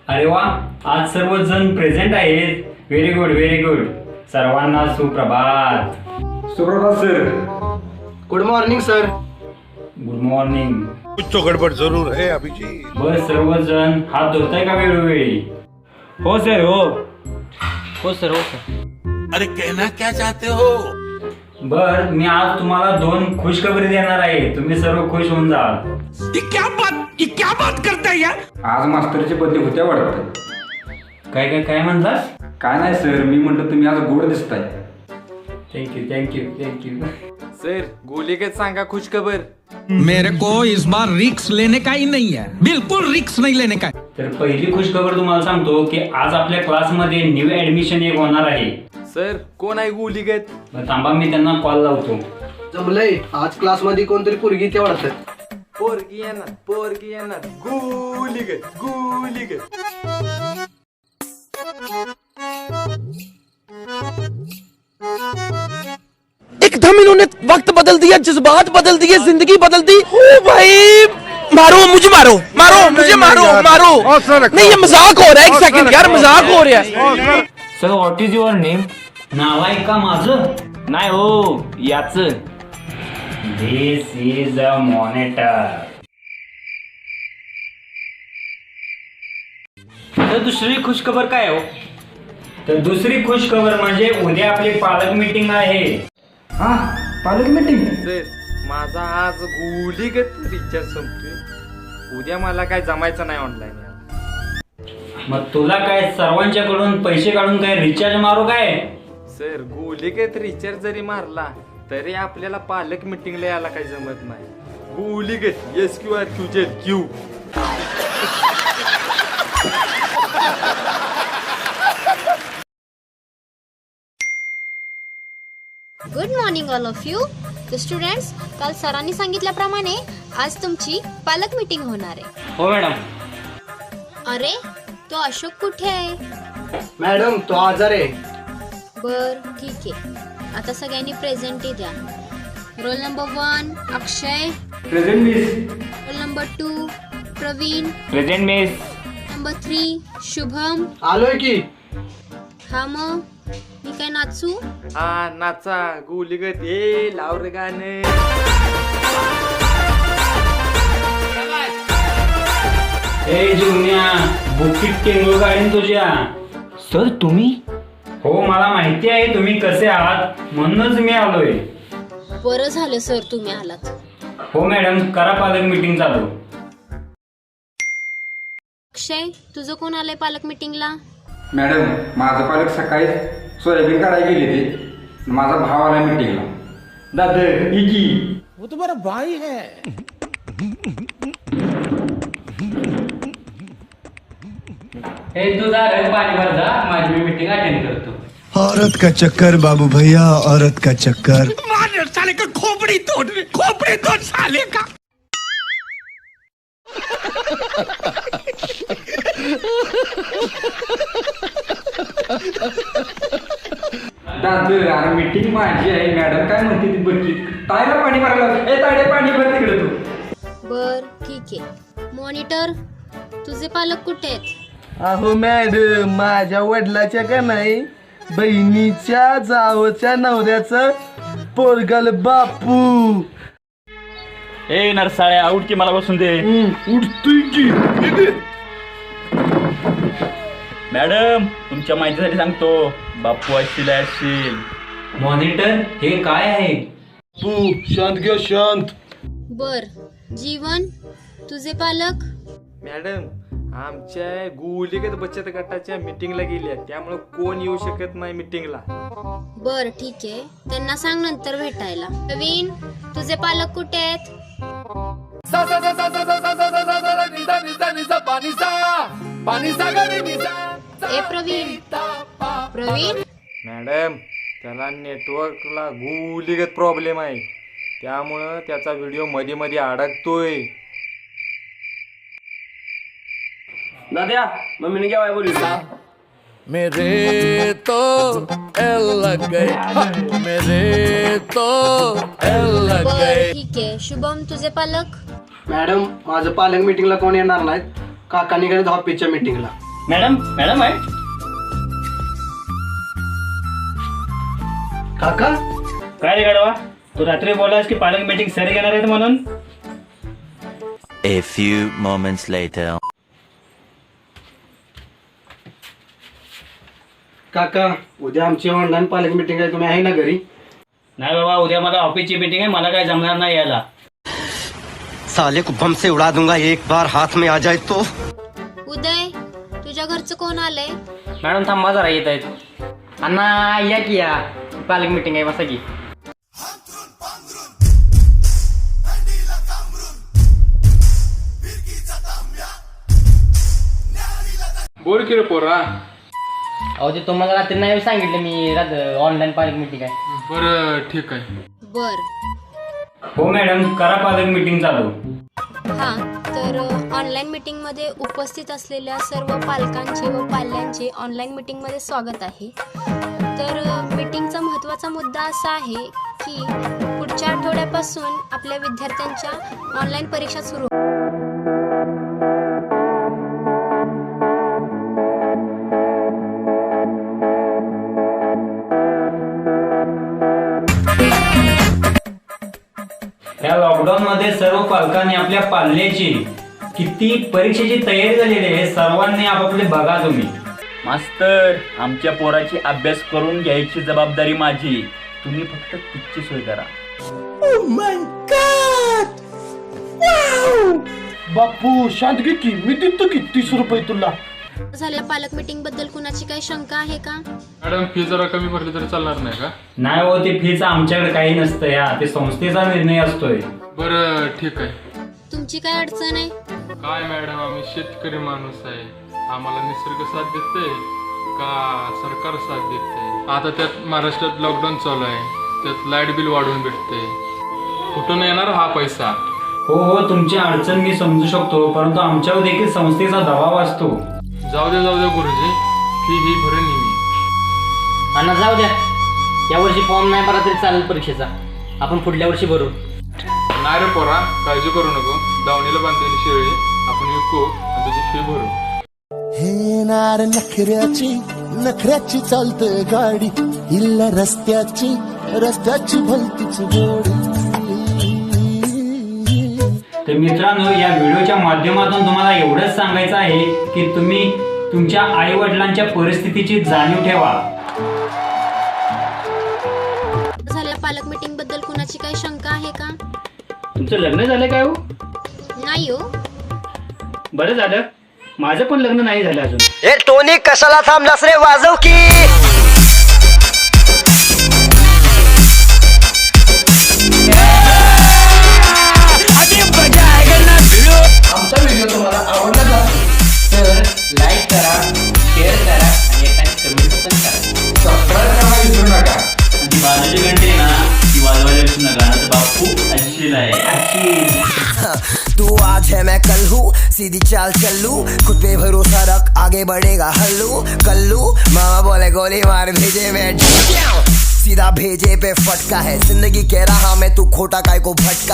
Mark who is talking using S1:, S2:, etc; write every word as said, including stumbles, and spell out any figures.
S1: अरे वा, आज सर्वजण प्रेझेंट आहेत. Very good very good. सर्वांना सुप्रभात.
S2: सुप्रभात sir.
S3: Good morning sir.
S1: Good morning.
S4: कुछ तो गडबड जरूर है अभिजी.
S1: बस सर्वजण हात धुताय का वेळोवेळी?
S5: हो सर हो.
S3: हो सर हो सर.
S4: अरे कहना क्या चाहते हो?
S1: बर, मी आज तुम्हाला दोन खुशखबरी देणार आहे. तुम्ही सर्व खुश होऊन जाल.
S4: ये क्या बात ये क्या बात करता है यार?
S2: आज मास्तरचे बर्थडे होत्या वाटतं.
S1: काय काय काय म्हणलास?
S2: काय नाही सर, मी म्हटलं तुम्ही आज गोड दिसताय.
S1: Thank you thank you thank you.
S3: सर गोलीगत सांगा खुश खबर.
S6: मेरे को इस बार रिक्स लेने का ही नहीं है, बिल्कुल रिक्स नहीं लेने का.
S1: तर पहिली खुशखबर तुम्हाला सांगतो की आज आपल्या क्लासमध्ये न्यू ऍडमिशन एक होणार आहे.
S3: सर कोण आहे गोलीगत?
S1: मग थांबा, मी त्यांना कॉल लावतो.
S7: जमलंय, आज क्लास मध्ये कोणतरी पोरगी ते वाटत.
S3: पोरगी येणार पोरगी येणार गोलीगत गोलीगत.
S8: एकदम इन्होंने वक्त बदल दिया, जज्बात बदल दिए, जिंदगी बदल दी. ओ भाई मारो मुझे, मारो मारो मुझे, मारो मारो. नहीं ये मजाक हो रहा है. एक सेकंड यार, मजाक हो रहा है.
S5: Sir what is your name?
S1: नाव आहे का माझं?
S5: नाही हो, याच.
S1: This is a monitor.
S5: तर दुसरी खुशखबर काय हो?
S1: तर दुसरी खुशखबर म्हणजे उद्या आपली पालक मीटिंग आहे.
S2: हा, पालक मीटिंग.
S3: सर माझा आज गोलीगत रिचार्ज संपतोय. उद्या मला काय जमायचं नाही ऑनलाईन.
S1: मग तुला काय सर्वांच्याकडून पैसे काढून काय रिचार्ज मारू काय?
S3: सर गोलीगत रिचार्ज जरी मारला तरी आपल्याला पालक मीटिंगला यायला काही जमत नाही. गोलीगत S Q R Q Z Q.
S9: Good morning all of you. तर स्टुडंट्स, काल सरांनी सांगितल्याप्रमाणे आज तुमची पालक मीटिंग होणार आहे.
S5: हो मॅडम.
S9: अरे तो अशोक कुठे आहे?
S7: मॅडम तो आजार आहे.
S9: बर ठीक आहे. आता सगळ्यांनी प्रेझेंटी द्या. Roll number one Akshay.
S2: Present miss.
S9: Roll number two Pravin.
S5: Present miss.
S9: Number three Shubham.
S7: आलोय की.
S9: हा मग मी काय नाचू?
S3: हा नाचा गोलीगत. ए लाव रे गाणं.
S1: ए जुन्या, बुकीट टेंगो गाडीन तुझ्या.
S5: सर तुम्ही?
S1: हो, मला माहिती आहे तुम्ही कसे आहात, म्हणूनच मी आलोय.
S9: बरं झालं सर तुम्ही आलात.
S1: हो मॅडम, करा पालक मीटिंग चालू.
S9: अक्षय तुझं कोण आलंय पालक मीटिंगला?
S2: मॅडम, माझा पालक सकाळी सोयाबीन काढायला गेले ते. माझा भाव आला मीटिंगला. दादा इकी.
S6: वो तो मेरा भाई है.
S1: हे तुझा रंग पाणी भर जा, माझी मी मीटिंग अटेंड करतो.
S10: औरत का चक्कर बाबू भैया, औरत का चक्कर.
S4: मार साले का खोपड़ी तोड़ खोपड़ी तोड़ साले का.
S2: दादा अरे मीटिंग माझी आहे. मॅडम काय म्हणते ती बघी. तायला पाणी भरायला. ए ताडे पाणी भर तिकडे तू.
S9: बर ठीक आहे. मॉनिटर तुझे पालक कुठे आहेत?
S7: अहो मॅडम, माझ्या वडिलाच्या का नाही बहिणीच्या जावच्या नवऱ्याचं पोरगल बापू.
S5: ए नरसाळ्या, आउट की मला बसून दे.
S2: उठतोय की.
S5: मॅडम तुमच्या माहितीसाठी सांगतो, बापू असतील असतील.
S1: मॉनिटर हे काय आहे?
S7: तू शांत घ्या शांत.
S9: बर जीवन तुझे पालक?
S3: मॅडम आमच्या गोलीगत बचत गटाच्या मीटिंगला गेल्या, त्यामुळे कोण येऊ शकत नाही मीटिंगला.
S9: बर ठीक आहे, त्यांना सांग नंतर भेटायला. प्रवीण तुझे पालक कुठे आहेत? ए प्रवीण. प्रवीण
S3: मॅडम त्याला नेटवर्कला गोलीगत प्रॉब्लेम आहे, त्यामुळं त्याचा व्हिडिओ मध्ये मध्ये अडकतोय.
S5: दाद्या मम्मीने केव्हा बोलली?
S8: मेरे तो एल लग गए, मेरे तो एल लग
S9: बर
S8: गए.
S9: ठीक आहे. शुभम तुझे पालक?
S7: मॅडम माझं पालक मीटिंगला कोण येणार नाहीत. काकांनी गेले ऑफिसच्या मीटिंगला.
S5: मॅडम मॅडम आहे
S7: काका
S5: काय रे गाडवा तू रात्री बोलास की पालक मीटिंग सर घेणार आहेत म्हणून.
S11: A few moments later.
S7: काका उद्या आमची ऑनलाईन पालक मीटिंग आहे, तुम्ही आहे ना घरी?
S5: नाही बाबा उद्या मला ऑफिसची मीटिंग आहे, मला काय जमणार नाही यायला.
S8: साले को बम से उड़ा दूंगा एक बार हाथ में आ जाए तो.
S9: उदय तुझ्या घरचं कोण आलंय?
S3: मॅडम थांबा जरा येत आहेत. अण्णा या की या पालक मीटिंग आहे बसा की.
S12: बोल की रे पोरा.
S3: अहो ते तुम्हाला रात्री नाही सांगितलं मी ऑनलाईन पालक मीटिंग आहे.
S12: बरं ठीक आहे.
S9: बर
S1: हो मॅडम करा पालक मीटिंग चालू.
S9: हां तर ऑनलाईन मीटिंगमध्ये उपस्थित असलेल्या सर्व पालकांचे व पाल्यांचे ऑनलाईन मीटिंगमध्ये स्वागत आहे. तर मीटिंगचा महत्त्वाचा मुद्दा असा आहे की पुढच्या आठवड्यापासून आपल्या विद्यार्थ्यांच्या ऑनलाईन परीक्षा सुरू.
S1: या लॉकडाऊन मध्ये सर्व पालकांनी आपल्या पाल्याची किती परीक्षेची तयारी झालेली आहे हे सर्वांनी आपापले बघा तुम्ही.
S5: मास्तर आमच्या पोराची अभ्यास करून घ्यायची जबाबदारी माझी, तुम्ही फक्त तिची सोय करा.
S8: बापू शांत घे की मी देतो की तीस रुपये तुला.
S9: झाल्या पालक मीटिंग बद्दल कुणाची काही शंका आहे का?
S12: मॅडम फी जरा कमी भरली तरी चालणार नाही का?
S1: नाही हो ते फीच आमच्याकडे काही नसतं या, ते संस्थेचा निर्णय असतोय.
S12: बरं ठीक आहे.
S9: तुमची काय अडचण आहे?
S12: काय मॅडम आम्ही शेतकरी माणूस आहे, आम्हाला निसर्ग साथ देते का सरकार साथ देते? आता त्यात महाराष्ट्रात लॉकडाऊन चालू आहे, त्यात लाईट बिल वाढवून भेटते, कुठून येणार हा पैसा?
S1: हो हो तुमची अडचण मी समजू शकतो, परंतु आमच्यावर देखील संस्थेचा दबाव असतो.
S12: जाऊ द्या जाऊ द्या गुरुजी, फी ही भरेन मी.
S3: अण्णा जाऊ द्या, यावर्षी फॉर्म नाही भरा तरी चालेल परीक्षेचा, आपण पुढल्या वर्षी भरू.
S12: नाही रे पोरा काळजी करू नको, दावणीला बांधलेली शेळी आपण विकू आणि तुझी फी भरू.
S10: हे नार नखऱ्याची नखऱ्याची चालते गाडी इल्ला रस्त्याची रस्त्याची भलतीच गोडी.
S1: तर मित्रांनो या व्हिडिओच्या माध्यमातून तुम्हाला एवढंच सांगायचं आहे की तुम्ही तुमच्या आई वडिलांच्या परिस्थितीची जाणीव ठेवा.
S9: झाल्या पालक मीटिंग बद्दल कुणाची काही शंका आहे का?
S5: तुमचं लग्न झालं काय हो?
S9: नाही हो.
S5: बरं झालं, माझं पण लग्न नाही झालं अजून.
S8: ए टोनी कशाला थांबलास रे, वाजव की.
S7: आमचा व्हिडिओ तुम्हाला आवडला असेल तर लाईक करा, शेअर करा आणि एखादी कमेंट पण करा.
S2: सबस्क्राईब करायला विसरू नका.
S5: आणि बाजूची घंटी ना ती वाजवायला विसरू नका, ना तर बापू अच्छी आहे.
S8: तू आज है मैं कल हूँ, सीधी चाल चलू, खुद पे भरोसा रख आगे बढ़ेगा हल्लू कल्लू. मामा बोले गोली मार भेजे मैं सीधा भेजे पे फटका है, जिंदगी कह रहा मैं तू खोटा काय को भटका.